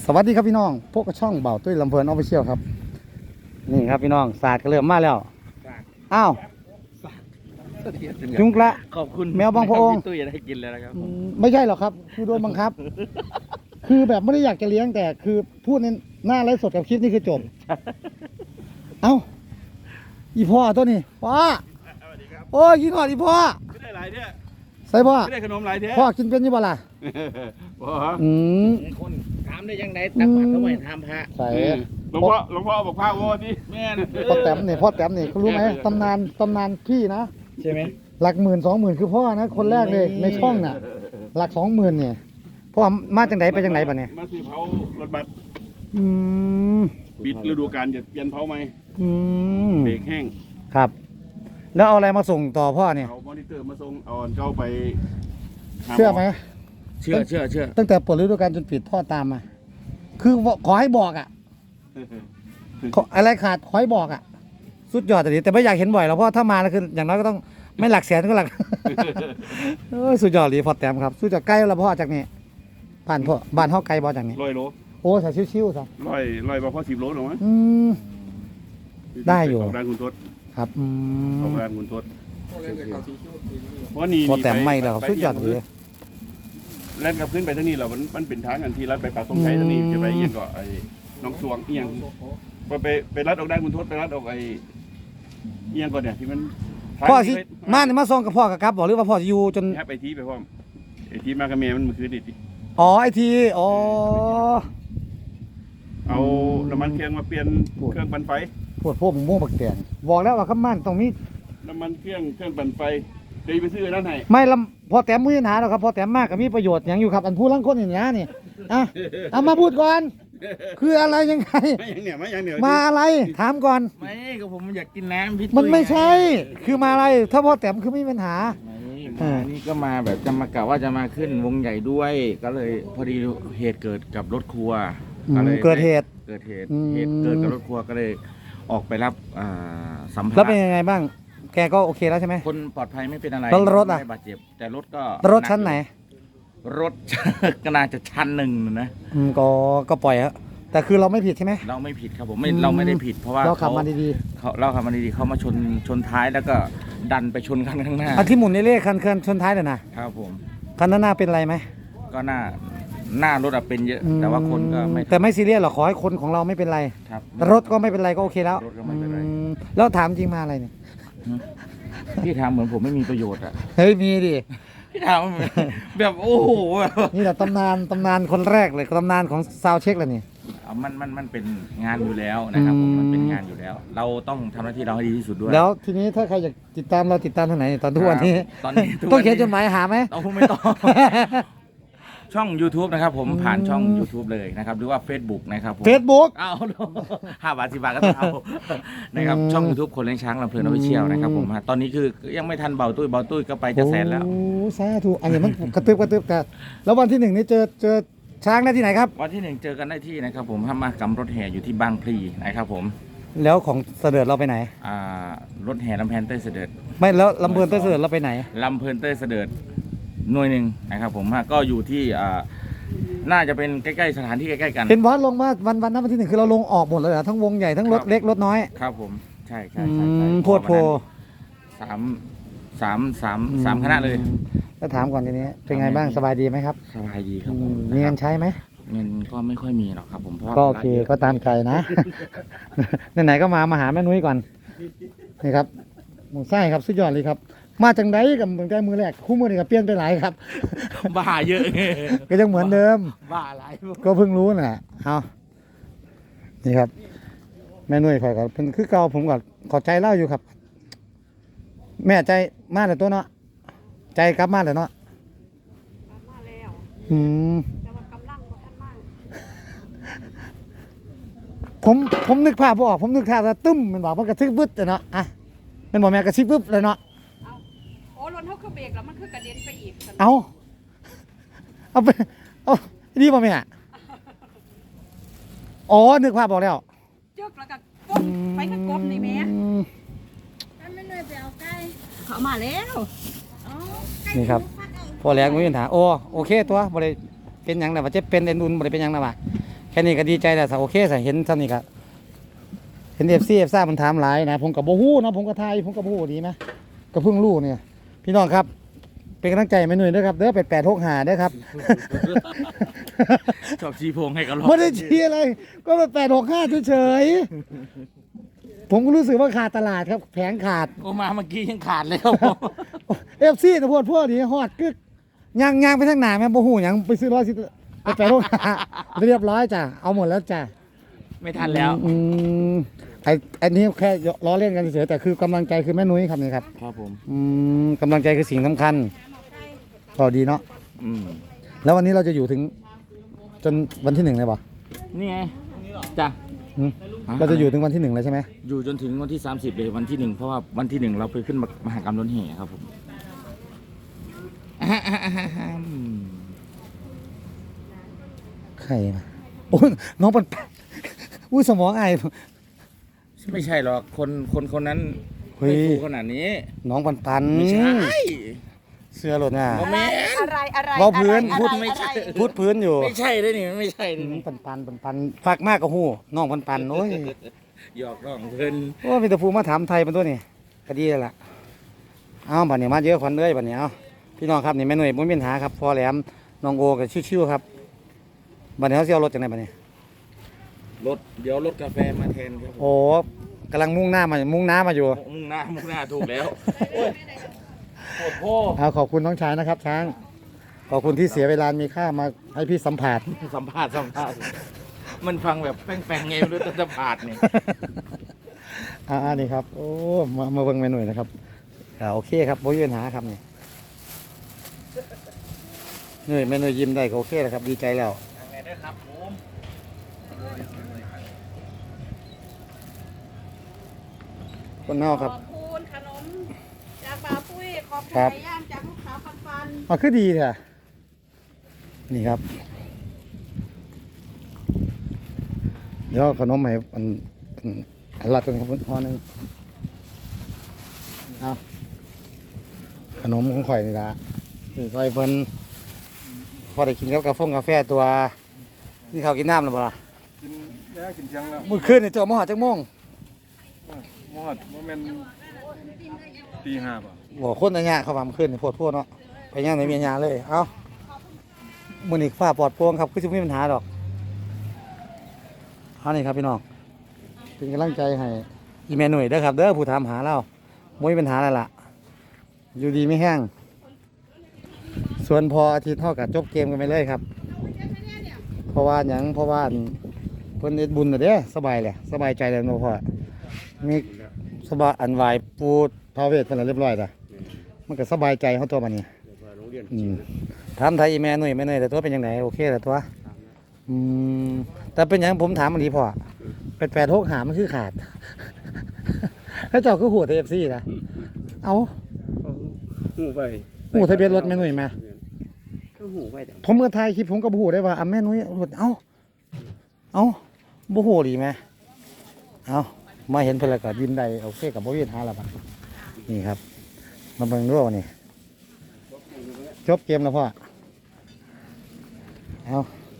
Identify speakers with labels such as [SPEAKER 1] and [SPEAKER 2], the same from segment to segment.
[SPEAKER 1] สวัสดีครับพี่น้องพวกกระช่องเบาตุ้ยลำเพลินออฟฟิเชียลครับนี่ครับพี่น้องศาสตร์ก็เริ่มมาแล้วอ้าวจุงกระ
[SPEAKER 2] ขอบคุณ
[SPEAKER 1] แมวบางพระองค์
[SPEAKER 2] ตุ้ยจะได้กินแล้วนะครับ
[SPEAKER 1] ไม่ใช่หรอกครับคือโดนบังคับ คือแบบไม่ได้อยากจะเลี้ยงแต่คือพูดในหน้าไลฟ์สดกับคลิปนี่คือจบ เอ้าอีพ่อตัวนี้พ่อโอ้ยกินหอดอีพ่อ
[SPEAKER 2] ไม่ได้หลายเนี่ย
[SPEAKER 1] ใส่พ่อ
[SPEAKER 2] ไม่ได้ขนมหลายเท่
[SPEAKER 1] พ่อกินเป็นยี่บ่ล่ะ
[SPEAKER 2] พ่อ
[SPEAKER 3] คนถามได้ยังไงตักบาตรทำไมทำพระ
[SPEAKER 1] ใส่
[SPEAKER 2] หลวงพ่อบอกพระโว้ดิแม่
[SPEAKER 1] พ่อแต้มนี่เขารู้ไหมตำนานพี่นะ
[SPEAKER 3] ใช่ไหม
[SPEAKER 1] หลัก10,000 20,000คือพ่อนะคนแรกเลยในช่องน่ะหลัก20,000เนี่ยพ่อมาจากไหนไปจากไหนป่ะเนี่ย
[SPEAKER 2] มาซื้อเผารถบัสปิดฤดูกาลจะเปลี่ยนเผาไหมเบรกแห้ง
[SPEAKER 1] ครับแล้วเอาอะไรมาส่งต่อพ่อเนี่ย
[SPEAKER 2] เอามอนิเตอร์มาส่งเอาเข้าไป
[SPEAKER 1] เชื่อไหม
[SPEAKER 3] เชื่อ
[SPEAKER 1] ตั้งแต่เปิดฤดูกาลจนปิดพ่อตามมาคือขอให้บอกอ่ะอะไรขาดขอให้บอกอ่ะสุดยอดแต่ไม่อยากเห็นบ่อยหรอกเพราะถ้ามาแล้วคืออย่างน้อยก็ต้องไม่หลักแสนก็หลักสุดยอดเลยพอแต้มครับสุดยอดใกล้แล้วพ่อจากนี้ผ่านพ่อบ้านห้องไกลบ่จากนี้
[SPEAKER 2] 100 โล
[SPEAKER 1] โอ้ใส่ชิวๆซะ
[SPEAKER 2] ร้อยบ่พอ10 โลหรอวะ
[SPEAKER 1] ได้อยู่
[SPEAKER 2] ของร้านคุณทศ
[SPEAKER 1] ครับ
[SPEAKER 2] ของร้านคุณทศเพราะนี่
[SPEAKER 1] พอแต้มไม่แล้วสุดยอดเลย
[SPEAKER 2] แล่นกับขึ้นไปทางนี้เรามันเป็นทางอันที่รัดไปปากตรงไทยทางนี้จะไปเอียงก็ไอ้น้องสวงเอียงพอไปรัดออกได้คุณทศไปรัดออกไอ้เอียงก่อนเนี่ยที่มัน
[SPEAKER 1] พ่อสิมาส่งกับพ่อกับครับบอกหรือว่าพ่อจะอยู่จน
[SPEAKER 2] ไปทีไปพร้อมไอ้ทีมากระเมียมันมือคือดิ
[SPEAKER 1] อ๋อไอทีอ๋อ
[SPEAKER 2] เอาน้ำมันเครื่องมาเปลี่ยนเครื่องปั่นไฟ
[SPEAKER 1] พวกผมม่วงบักแตงบอกแล้วว่าข้ามันตรงนี้
[SPEAKER 2] น้ำมันเครื่องปั่นไฟเดี๋ยวไปซื้อนั่นให้
[SPEAKER 1] ไม่ลำพอแต้มมือหนาหรอกครับพอแต้มมากก็มีประโยชน์อย่างอยู่ครับอันพูดลังคนอย่างนี้นี่เอามาพูดก่อนคืออะไรยังไงมาอะไรถามก่อน
[SPEAKER 3] ไม่ก็ผมอยากกินน้ำพี่
[SPEAKER 1] มันไม่ใช่คือมาอะไรถ้าพอแต้มคือไม่มีปัญหา
[SPEAKER 3] นี่ก็มาแบบจะมากะว่าจะมาขึ้นวงใหญ่ด้วยก็เลยพอดีเหตุเกิดกับรถครัว
[SPEAKER 1] ก็เลยเกิดเหตุ
[SPEAKER 3] เกิดกับรถครัวก็เลยออกไปรับสัมภาระ
[SPEAKER 1] แล้วเป็นยังไงบ้างแกก็โอเคแล้วใช่ไหม
[SPEAKER 3] คนปลอดภัยไม่เป็นอะไร
[SPEAKER 1] รถ
[SPEAKER 3] ไม่บาดเจ็บแต่รถ
[SPEAKER 1] ชั้นไหน
[SPEAKER 3] รถก็น่าจะชั้น1นะ
[SPEAKER 1] ก็ปล่อยฮะแต่คือเราไม่ผิดใช่ไหม
[SPEAKER 3] เราไม่ผิดครับผมเราไม่ได้ผิดเพราะว่า
[SPEAKER 1] เราขับมาดี
[SPEAKER 3] ๆเขามาชนท้ายแล้วก็ดันไปชนคันข้างหน้า
[SPEAKER 1] ที่หมุนเล่ๆคันชนท้ายเลยนะครับ
[SPEAKER 3] ผม
[SPEAKER 1] คันหน้าเป็นอะไรไหม
[SPEAKER 3] ก็หน้ารถเป็นเยอะแต่ว่าคนก็ไม่
[SPEAKER 1] แต่ไม่ซีเรียสหรอกขอให้คนของเราไม่เป็นไร
[SPEAKER 3] ครับ
[SPEAKER 1] รถก็ไม่เป็นไรก็โอเคแล้ว
[SPEAKER 3] รถก็ไม่เป็นไร
[SPEAKER 1] แล้วถามจริงมาอะไรเนี่ย
[SPEAKER 3] พี่ถามเหมือนผมไม่มีประโยชน์อ่ะ
[SPEAKER 1] เฮ้ยมีดิ
[SPEAKER 3] พี่ถามแบบโอ้โห
[SPEAKER 1] นี่แหละตำนานคนแรกเลยตำนานของซาวเช็คเลยนี่
[SPEAKER 3] มันเป็นงานอยู่แล้วนะครับผมมันเป็นงานอยู่แล้วเราต้องทำหน้าที่เราให้ดีที่สุดด้วย
[SPEAKER 1] แล้วทีนี้ถ้าใครอยากติดตามเราติดตามทางไหนตอนทุกวันนี้ต้องเขียนจดหมายหาไหม
[SPEAKER 3] ไม่ต้องช่อง YouTube นะครับผมผ่านช่อง YouTube เลยนะครับหรือว่า Facebook นะครับ
[SPEAKER 1] เฟซบุ๊ก
[SPEAKER 3] เอา5 บาท 10 บาทก็เอานะครับช่อง YouTube คนเลี้ยงช้างลำเพลินออฟฟิเชียลนะครับผมตอนนี้คือยังไม่ทันเบาตุ้ยก็ไปจะแสนแล้ว
[SPEAKER 1] โอ้สาธุอันนี้มันกระตึบแต่แล้ววันที่1นี่เจอช้างได้ที่ไหนครับ
[SPEAKER 3] วันที่1เจอกันได้ที่นะครับผมมากำรถแห่อยู่ที่บางพลีนะครับผม
[SPEAKER 1] แล้วของเสด็จเราไปไหน
[SPEAKER 3] รถแห่ลำเพลินเต้ยเสด็จ
[SPEAKER 1] ไม่แล้วลำเพลินเต้ยเสด็จเราไปไหน
[SPEAKER 3] ลำเพลินเต้ยเสด็จหน่วยหนึ่งนะครับผมก็อยู่ที่น่าจะเป็นใกล้ๆสถานที่ใกล้ๆกัน
[SPEAKER 1] เห็นบอสลงมาวันนั้นวันที่1คือเราลงออกหมดเลยเหรอทั้งวงใหญ่ทั้งรถเล็กรถน้อย
[SPEAKER 3] ครับผมใช่
[SPEAKER 1] โพดโพ
[SPEAKER 3] สามคณะเลย
[SPEAKER 1] แล้วถามก่อนทีนี้เป็นไงบ้างสบายดีไหมครับ
[SPEAKER 3] สบายดีครับ
[SPEAKER 1] มีเงินใช้ไหม
[SPEAKER 3] เงินก็ไม่ค่อยมีหรอกครับผมเพราะ
[SPEAKER 1] ก็โอเคก็ตามใจนะไหนๆก็มาหาแม่นุ้ยก่อนนี่ครับหมูไส้ครับสุดยอดเลยครับมาจังไดกับตั้งแต่มือแรกคู่มือนี่ก็เปลี่ยนไปหลายครับ
[SPEAKER 3] บ้าเยอะ
[SPEAKER 1] ก็ยังเหมือนเดิม
[SPEAKER 3] บ้าหลาย
[SPEAKER 1] ก็เพิ่งรู้น่ะเอานี่ครับแม่นุ้ยคอยกับเป็นคือเก่าผมก็ขอใจเล่าอยู่ครับแม่ใจมาแต่ตัวเนาะใจกลับมาแต่เนาะ
[SPEAKER 4] มาแล้วแต่ว่ากำลังบ่ทันมา
[SPEAKER 1] ผมนึกภาพบ่ออกผมนึกภาพว่าตึ้มมันบอกมันกระทึกบึ้ดเนาะอ่ะมันบอกแม่กระซิบบึ้บเลยเนาะ
[SPEAKER 4] โอ้รถเขาคือเบรกแล้วมันคือกระเด็นไปอีก
[SPEAKER 1] เอาไปดีป่ะแม่อ๋อนึกภาพบอกแล้ว
[SPEAKER 4] จึกแล้วก็ก้มไปข้างก้มนี่แม่
[SPEAKER 5] ไม่เลยไปเอาไก่
[SPEAKER 4] เขามาแล้ว
[SPEAKER 1] นี่ครับพอแรงไม่มีปัญหาโอเคตัวบริเป็นอย่างไรว่าจะเป็นเอ็นดุนบริเป็นอย่างไรวะแค่นี้ก็ดีใจแล้วโอเคสิเห็นซ้ำนี่ก็เห็นFCซ่ามันถามหลายนะผมก็บ่ฮู้เนาะผมก็ทายผมก็บ่ฮู้ดีนะก็เพิ่งรู้เนี่ยพี่น้องครับเป็นกำลังใจแม่หนุ่ยด้วยครับเด้อ8865เด้อครับ
[SPEAKER 3] ชอบชี้โพงให้กันรอ
[SPEAKER 1] ไม่ได้เชียร์อะไรก็8865เฉยๆผมก็รู้สึกว่าขาดตลาดครับแผงขาด
[SPEAKER 3] โอ้มาเมื่อกี้ยังขาดเลยครับผม
[SPEAKER 1] FC นะพวกนี้ฮอดกึกย่างไปทางหน้าแม่บ่ฮู้หยังไปซื้อ8865เรียบร้อยจ้ะเอาหมดแล้วจ้ะ
[SPEAKER 3] ไม่ทันแล้ว
[SPEAKER 1] อันนี้แค่ล้อเล่นกันเฉยๆแต่คือกำลังใจคือแม่นุ้ยครับนี่ครับ
[SPEAKER 3] ครับผม
[SPEAKER 1] กำลังใจคือสิ่งสำคัญก็ดีเนาะ
[SPEAKER 3] อืม
[SPEAKER 1] แล้ววันนี้เราจะอยู่ถึงจนวันที่1เลยป่ะ
[SPEAKER 3] นี่ไงจ้ะ
[SPEAKER 1] เราจะอยู่ถึงวันที่1เลยใช่ไหม
[SPEAKER 3] อยู่จนถึงวันที่30เลยวันที่1เพราะว่าวันที่1เราไปขึ้นมหกรรมรถแห่ครับผม
[SPEAKER 1] ใครมาโอ้ยน้องปันอุ้ยสมองไอ
[SPEAKER 3] ไม่ใช่หรอกคนนั้น
[SPEAKER 1] เฮ้
[SPEAKER 3] ไม่
[SPEAKER 1] ย
[SPEAKER 3] ฟูขนาดนี้
[SPEAKER 1] น้องปัน
[SPEAKER 3] ไม่ใช่
[SPEAKER 1] เสื้อหล่นอ่ะ
[SPEAKER 3] บ่แม่น
[SPEAKER 4] อะไร
[SPEAKER 1] เว้าพื้น
[SPEAKER 3] พูดไม่ใช่
[SPEAKER 1] พูดพื้นอยู่
[SPEAKER 3] ไม่ใช่เลยนี่ไม่ใช่เลยนี่
[SPEAKER 1] ปันฝากมากกับหูน้องปันโอ้ย
[SPEAKER 3] หยอกน้องเพิ่น
[SPEAKER 1] โอ้มีแต่ผู้มาถามไทยเป็นตัวนี่ก็ดีแล้วล่ะเอาบัดนี้มาเยอะควันเลยบัดนี้เอาพี่น้องครับนี่แม่หน่วยมุ้งมีปัญหาครับพอแหลมน้องโอกับชิวๆครับบัดนี้เขาเสียรถจากไหนบัดนี้
[SPEAKER 3] เดี๋ยวรถกาแฟมาแทนครับผม
[SPEAKER 1] โอ้กำลังมุ่งหน้ามาอยู่
[SPEAKER 3] มุ่งหน้าถูกแล้วโอ้ยโคตรพ่อ
[SPEAKER 1] เอาขอบคุณน้องชายนะครับ ช้างขอบคุณที่เสียเวลามีค่ามาให้พี่สัมผัส
[SPEAKER 3] สัมภาษณ์มันฟังแบบแป้งๆไงไม่รู้จะสัมภาษณ์นี่
[SPEAKER 1] นี่ครับโอ้มาเบิ่งแม่หน่วยนะครับโอเคครับบ่มีปัญหาครับนี่หน่วยแม่หน่วยยิ้มได้ก็โอเคแล้วครับดีใจแล้ว
[SPEAKER 3] ไงด้วยครับผม
[SPEAKER 1] คนนอกครับ
[SPEAKER 4] ขอบคุณขนมจากปลาปุ้ยขอบคุณ
[SPEAKER 1] ครับ
[SPEAKER 4] ไก่ย่างจากลูกสาวฟัน
[SPEAKER 1] อ๋อคือดีค่ะนี่ครับเดี๋ยวเอาขนมให้อันรัดกันครับพอหนึงเอาขนมของข่อยนี่ละนี่ข่อยเพิ่นพอได้กินกับกาแฟตัวนี่เขาวกินน้ำหรือเปล่า
[SPEAKER 2] กินแล้วกินเที่ยงแล้ว
[SPEAKER 1] มื้อคืนนี่เจ้ามาหาจักโมง
[SPEAKER 2] มอดโมเมนตีห้าป่ะ
[SPEAKER 1] บ่คนอันเนี้ยเขาว่ามื้อคืนนี่โพดเนาะไปย่างในเมียญาเลยเอ้ามื้อนี้ฟ้าปลอดโปร่งครับคือสิบ่มีปัญหาดอกเอานี่ครับพี่น้องเป็นกำลังใจให้อีเมหน่วยเด้อครับเด้อผู้ถามหาเราบ่มีปัญหาแล้วล่ะอยู่ดีไม่แห้งส่วนพออาทิตย์เท่ากับจบเกมกันไปเลยครับเพราะว่าเพิ่นเฮ็ดบุญน่ะเด้สบายเลยสบายใจแล้วเนาะพ่อมีสบายอันไหวปูพระเวทเพิ่นนะเรียบร้อยล่ะมันก็สบายใจเฮาตัวบัดนี้ถามไทยอีแม่หน่วยแต่ตัวเป็นจังไดโอเคแล้วตัวแต่เป็นหยังผมถามอันนี้พ่อ8865มันคือขาด แล้วเจ้าคือหัว TFC นะเอา
[SPEAKER 2] หูไป
[SPEAKER 1] หูทะเบียนรถแม่หนุ่ยมา
[SPEAKER 2] ก็หูไปแต่
[SPEAKER 1] ผมเมื่อถ่ายคลิปผมก็บ่ฮู้ได้ว่าแม่หนุ่ยรถเอ้าบ่ฮู้ดีไหมเอามาเห็นเพิ่นแล้วก็ยิ้มได้โอเคกับบ่มีปัญหาแล้วบัดนี่ครับมาเบิ่งดูนี่จบเกมแล้วพ่อเอา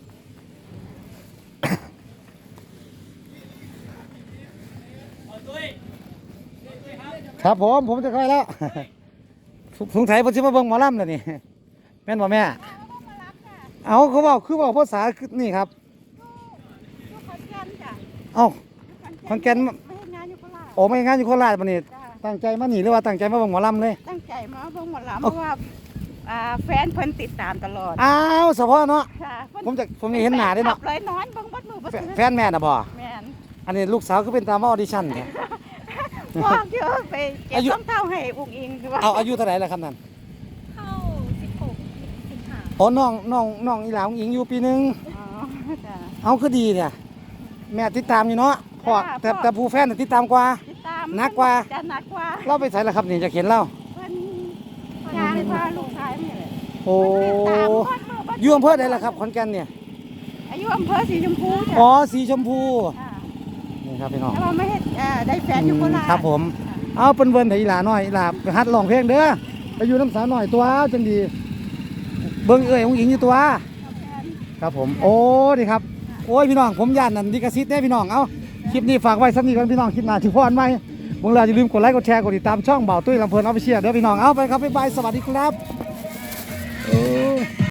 [SPEAKER 1] ครับผมจะค่อยแล้ว สงสัยเพิ่นสิมาเบิ่งหมอลำแล้วนี่แม่นบ่แม่เอาเขาบอกคือบอกภาษาคือนี่ครับ
[SPEAKER 4] ๆลูกขอนแก่นจ้ะ
[SPEAKER 1] เอ้า ขอนแก่น
[SPEAKER 4] ไม่ให้งานอยู่โคราช
[SPEAKER 1] โอ้ไม่งานอยู่โคราชบัดนี้
[SPEAKER 4] จ้ะ
[SPEAKER 1] ตั้งใจมาหนีหรือว่าตั้งใจมาเบิ่งหมอลำเลย
[SPEAKER 4] ตั้งใจมาเบิ่งหมดแล้วเพราะว่าแฟนเพิ่นติดตามตลอด
[SPEAKER 1] อ้าวเฉพาะเนาะ
[SPEAKER 4] ค่ะเพิ่น
[SPEAKER 1] ผมนี่เห็นหน้าได้เนาะ
[SPEAKER 4] ขับเลยนอนเบิ่งบัดมือบัด
[SPEAKER 1] แฟนแม่น่ะบ่
[SPEAKER 4] แม่น
[SPEAKER 1] อันนี้ลูกสาวก็เป็นตามมาออดิชั่นเนี่ย
[SPEAKER 4] บอกเยอะไปเก็บ
[SPEAKER 1] อายุ
[SPEAKER 4] ส้มเต้าให้อุ้งอิงคือว่า
[SPEAKER 1] เอาอายุเท่าไหร่แล้วครับนั่น
[SPEAKER 5] เข้า16 15
[SPEAKER 1] อ๋อน้องอีหลาของหญิงอยู่ปีหนึง
[SPEAKER 4] อ๋อจ้ะ
[SPEAKER 1] เอาคือดีเนี่ยแม่ติดตามอยู่เนาะพ่อ
[SPEAKER 4] จ้ะ
[SPEAKER 1] แต่ผู้แฟนน่ะติดตามกว่า
[SPEAKER 4] ติดตาม
[SPEAKER 1] หนักกว่า
[SPEAKER 4] จะหนักกว่า
[SPEAKER 1] เราไปใส่แล้วครับนี่จะเขียนเล่า
[SPEAKER 4] เพิ่นยางพาลูกชายนี่แหละ
[SPEAKER 1] โอ้
[SPEAKER 4] ติดตามบัดมือบัด
[SPEAKER 1] อยู่อำเภอใดล่ะครับขอนแก่นเนี่ย
[SPEAKER 4] อายุอำเภอสีชมพูจ้ะ
[SPEAKER 1] อ๋อสีชมพู
[SPEAKER 4] ค่ะ
[SPEAKER 1] นี่ครับพี่น้อง
[SPEAKER 4] แต่ว่าไม่เห็นได้แฟนอยู่โคราช
[SPEAKER 1] ครับผม เอาเป็นเวิร์นให้อีหลาหน่อยอีหลาไปฮัดร้องเพลงเด้อไปอยู่น้ำสาวหน่อยตัวจังดี เบิ่งเอ้ยของหญิงอยู่ตัว ครับผม โอ้ดีครับโอ้ยพี่น้องผมย่านนั่นดิกซิตได้พี่น้องเอาคลิปนี้ฝากไว้สักนิดก่อนพี่น้องคลิปหน้าที่พรไว้เมื่อไรอย่าลืมกดไลค์กดแชร์กดติดตามช่องเบาตุ้ยลำเพลินออฟฟิเชียลเด้อพี่น้องเอาไปครับบ๊ายบายสวัสดีครับ